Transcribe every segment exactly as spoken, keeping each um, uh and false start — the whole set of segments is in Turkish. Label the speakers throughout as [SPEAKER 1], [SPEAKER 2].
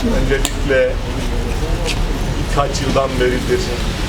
[SPEAKER 1] Öncelikle birkaç yıldan beridir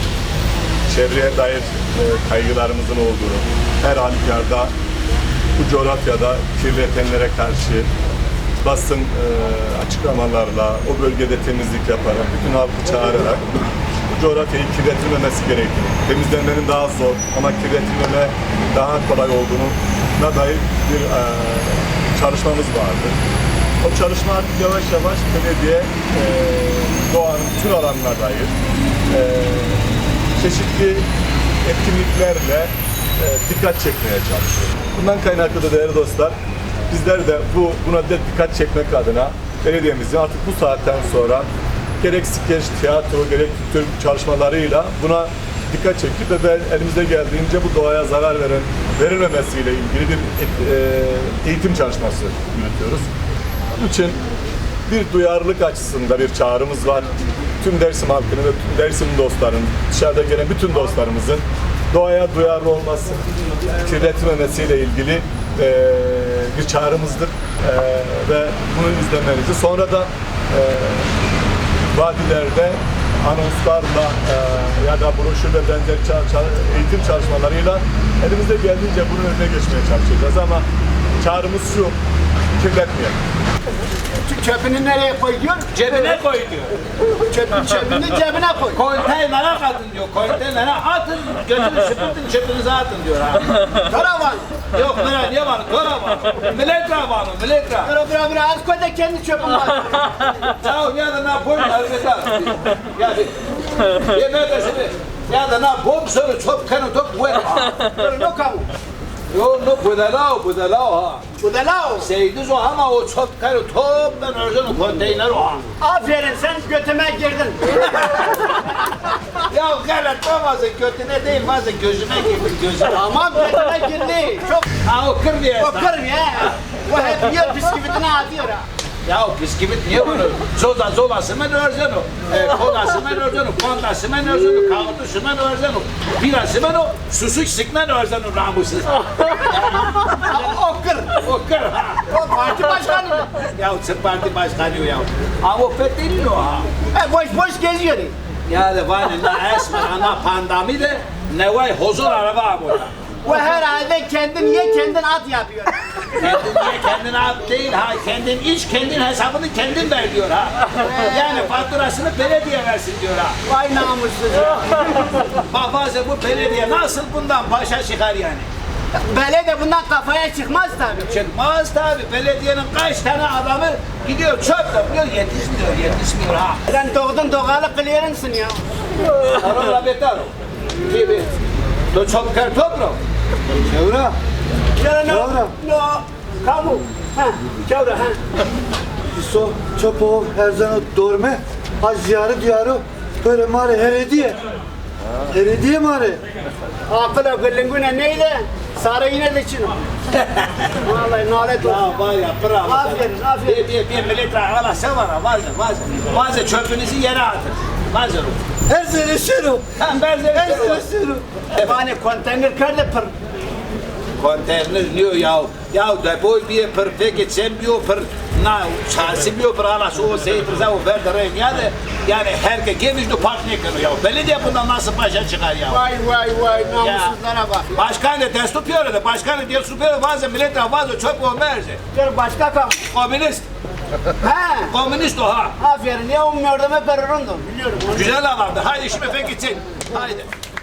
[SPEAKER 1] çevreye dair e, kaygılarımızın olduğunu, her halükarda bu coğrafyada kirletenlere karşı basın e, açıklamalarla, o bölgede temizlik yaparak, bütün halkı çağırarak bu coğrafyayı kirletilmemesi gerektiğini, temizlenmenin daha zor ama kirletilmeme daha kolay olduğuna dair bir e, çalışmamız vardı. O çalışma artık yavaş yavaş belediye e, doğanın tüm alanına dair e, çeşitli etkinliklerle e, dikkat çekmeye çalışıyor. Bundan kaynaklı da değerli dostlar, bizler de bu buna da dikkat çekmek adına belediyemizin artık bu saatten sonra gerek skeç, tiyatro, gerek tür çalışmalarıyla buna dikkat çekip ve ben elimizde geldiğince bu doğaya zarar veren verilmemesiyle ilgili bir e, eğitim çalışması yürütüyoruz. Bunun için bir duyarlılık açısında bir çağrımız var. Tüm Dersim halkının ve tüm Dersim dostların, dışarıda gelen bütün dostlarımızın doğaya duyarlı olması, kirletmemesiyle ilgili e, bir çağrımızdır. E, ve bunu izlemenizi, sonra da e, vadilerde anonslarla e, ya da broşür ve benzer eğitim çalışmalarıyla elimizde geldiğince bunun önüne geçmeye çalışacağız ama çağrımız şu, kirletmeyelim.
[SPEAKER 2] Çöpünü nereye koy diyor?
[SPEAKER 3] Cebine koy diyor.
[SPEAKER 2] Çöpün çöpünü cebine koy.
[SPEAKER 3] Konteynere atın diyor. Konteynere atın, götürün süpürtün, çöpünüze atın diyor ha.
[SPEAKER 2] Karavan.
[SPEAKER 3] Yok bana niye var? Karavan. Milletra var mı? Milletra.
[SPEAKER 2] Bıra bıra bıra az koy da kendi çöpün var.
[SPEAKER 3] Ciao, ya da ne yapayım? Elbette. Ya bir. Yemeğe de şimdi. Ya da ne yapayım? Sonra çöp kanı top bu.
[SPEAKER 2] No kamu.
[SPEAKER 3] Yo no puede lao, puede lao ha.
[SPEAKER 2] Bu da lao.
[SPEAKER 3] Seydiz o ama o çöp kanı top ben öyle konteyner o ha.
[SPEAKER 2] Aferin sen götüme girdin.
[SPEAKER 3] Ya galet bazen götüne değil bazen gözüme girdi gözüme.
[SPEAKER 2] Tamam götüme girdi. Çok
[SPEAKER 3] Ha o kır diye.
[SPEAKER 2] o kır ya. O hep yiyor bisküvitini atıyor ha.
[SPEAKER 3] Ya o bisküvit niye bunu? Zoza zolası mı örzen o? E, kolası mı örzen o? Kondası mı örzen o? Kavutusu mu örzen o? Birası mı o? Susuk sıkman örzen o namussuz.
[SPEAKER 2] O kır.
[SPEAKER 3] O kır ha.
[SPEAKER 2] O parti başkanı mı?
[SPEAKER 3] Ya o Sırp parti başkanı ya. Ama o fethedilmiyor ha.
[SPEAKER 2] E, boş boş geziyor.
[SPEAKER 3] Ya da var ne esmer ana pandami de ne vay huzur araba burada.
[SPEAKER 2] O herhalde kendin ye kendin at yapıyor.
[SPEAKER 3] Kendin ye kendin at değil ha. Kendin iç kendin hesabını kendin ver diyor ha. Yani faturasını belediye versin diyor ha.
[SPEAKER 2] Vay namussuz ya.
[SPEAKER 3] Bak bazen bu belediye nasıl bundan başa çıkar yani.
[SPEAKER 2] Belediye bundan kafaya çıkmaz tabii.
[SPEAKER 3] Çıkmaz tabi. Belediyenin kaç tane adamı gidiyor çöp topluyor yetişmiyor yetişmiyor ha.
[SPEAKER 2] Sen doğdun doğalı kılıyorsun ya.
[SPEAKER 3] Arora beter o. Gibi. To çöp kar topro. Çevre.
[SPEAKER 2] Ya no, no, kamu. Ha, çevre ha.
[SPEAKER 4] So çapo her zaman dorme az ziyarı diyarı böyle mare herediye. Herediye mare.
[SPEAKER 2] Akıla gırlingüne neyle? Sarı yine de çino. Vallahi nalet olsun.
[SPEAKER 3] Ya var ya bravo.
[SPEAKER 2] Aferin, aferin.
[SPEAKER 3] Bir, bir, bir millet ağla sen var ha bazen bazen. Bazen çöpünüzü yere atın. Bazen o.
[SPEAKER 4] Her sene şunu.
[SPEAKER 3] Tam ben de
[SPEAKER 4] Her sene şunu.
[SPEAKER 2] Bana konteyner kırdı pır.
[SPEAKER 3] Konteyner diyor ya. Ya depoy bir per peki sen diyor per na çarşı diyor per ala şu seyir za o verdiren yani yani herkes gelmiş de park ne kırıyor ya. Belediye bundan nasıl başa çıkar ya.
[SPEAKER 2] Vay vay vay namussuzlara bak.
[SPEAKER 3] Başkan da test yapıyor da başkan da diyor yapıyor bazen millet bazı çöp olmayacak.
[SPEAKER 2] Dur başka kamu.
[SPEAKER 3] Komünist.
[SPEAKER 2] Ha.
[SPEAKER 3] Komünist o ha.
[SPEAKER 2] Aferin ya ummuyordum hep perurundum. Biliyorum. onu.
[SPEAKER 3] Güzel adamdı. Haydi şimdi pek gitsin. Haydi.